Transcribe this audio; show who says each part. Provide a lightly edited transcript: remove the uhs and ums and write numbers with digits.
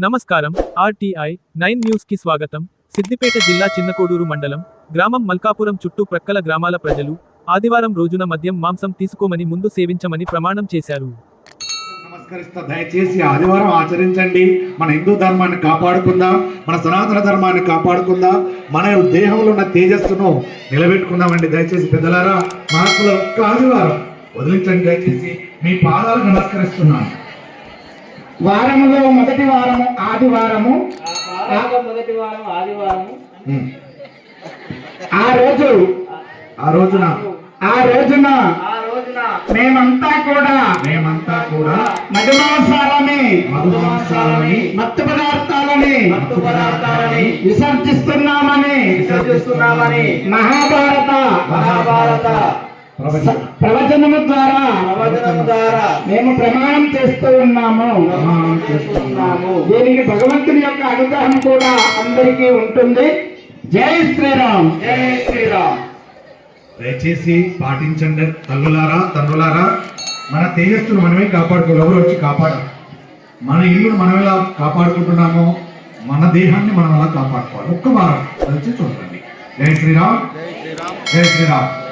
Speaker 1: నమస్కారం. RTI 9 news కి స్వాగతం. సిద్దిపేట జిల్లా చిన్నకోడూరు మండలం గ్రామం మల్కాపురం చుట్టూ ప్రక్కల గ్రామాల ప్రజలు ఆదివారం రోజున మద్యం మాంసం తీసుకోమని ముందు సేవించమని ప్రమాణం చేశారు.
Speaker 2: నమస్కరిస్తా, దయచేసి ఆదివారం ఆచరించండి. మన హిందూ ధర్మాన్ని కాపాడుకుందాం, మన సనాతన ధర్మాన్ని కాపాడుకుందాం, మన దేహంలో ఉన్న తేజస్సును నిలబెట్టుకుందామండి. దయచేసి పెద్దలారా, మహాత్ముల ఒక్క ఆదివారం వదిలించండి. దయచేసి మీ పాదాలకు నమస్కరిస్తున్నాను.
Speaker 3: వారములో మొదటి వారము ఆదివారము, ఆ రోజున మేమంతా కూడా మధుమాంసాలని మత్తు పదార్థాలని విసర్జిస్తున్నామని మహాభారత ప్రవచనము ద్వారా మేము ప్రమాణం చేస్తూ ఉన్నాము. దీనికి భగవంతుని యొక్క అనుగ్రహం కూడా అందరికీ ఉంటుంది. జై శ్రీరామ్, జై శ్రీరామ్.
Speaker 2: దయచేసి పాటించండి. తండ్రులారా, మన తేజస్సును మనమే కాపాడుకోవాలి. ఎవరు వచ్చి కాపాడాలి? మన ఇల్లును మనం ఎలా కాపాడుకుంటున్నామో మన దేహాన్ని మనం ఎలా కాపాడుకోవాలి. ఒక్క వారం వచ్చి చూడండి. జై శ్రీరామ్, జై శ్రీరామ్.